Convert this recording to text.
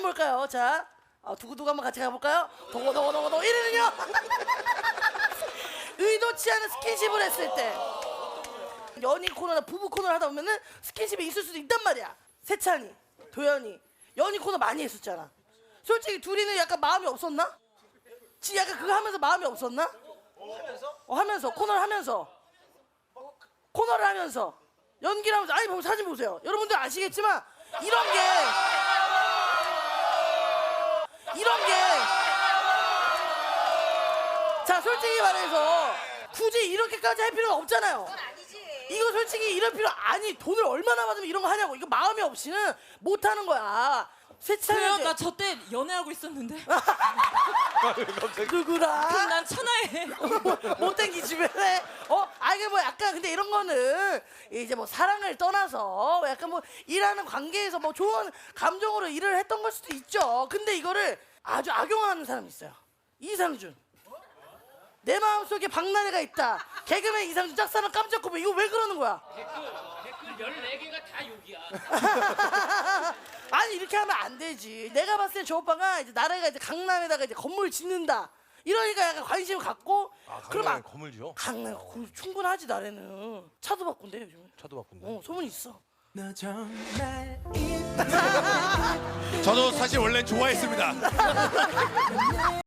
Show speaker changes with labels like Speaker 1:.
Speaker 1: 뭘까요? 자, 두고두고 한번 같이 가볼까요? 동고동고동고동 1위는요? 의도치 않은 스킨십을 했을 때. 연인 코너나 부부 코너를 하다 보면은 스킨십이 있을 수도 있단 말이야. 세찬이, 도현이 연인 코너 많이 했었잖아. 솔직히 둘이는 약간 마음이 없었나? 지 약간 그거 하면서 마음이 없었나? 하면서 코너를 하면서 코너를 하면서 연기를 하면서 아니 사진 보세요. 여러분들 아시겠지만 이런 게 자 솔직히 말해서 굳이 이렇게까지 할 필요가 없잖아요. 이거 솔직히 이럴 필요 아니 돈을 얼마나 받으면 이런 거 하냐고. 이거 마음이 없이는 못 하는 거야.
Speaker 2: 그래요? 나 저 때 연애하고 있었는데.
Speaker 1: 누구랑?
Speaker 2: 그럼 난 천하에.
Speaker 1: 못된 기집애네. 이게 뭐 약간 근데 이런 거는 이제 뭐 사랑을 떠나서 약간 뭐 일하는 관계에서 뭐 좋은 감정으로 일을 했던 걸 수도 있죠. 근데 이거를 아주 악용하는 사람이 있어요. 이상준. 내 마음속에 박나래가 있다. 개그맨 이상준 짝사랑 깜짝 고백. 이거 왜 그러는 거야?
Speaker 3: 댓글 14개가 다 욕이야.
Speaker 1: 아니 이렇게 하면 안 되지. 내가 봤을 때 저 오빠가 이제 나래가 이제 강남에다가 이제 건물 짓는다. 이러니까 약간 관심을 갖고.
Speaker 4: 강남에 건물 지어?
Speaker 1: 강남 건물 충분하지 나래는. 차도 바꾼대 요즘.
Speaker 4: 차도 바꾼대.
Speaker 1: 소문 있어.
Speaker 5: 너 정말
Speaker 4: 저도 사실 원래는 좋아했습니다.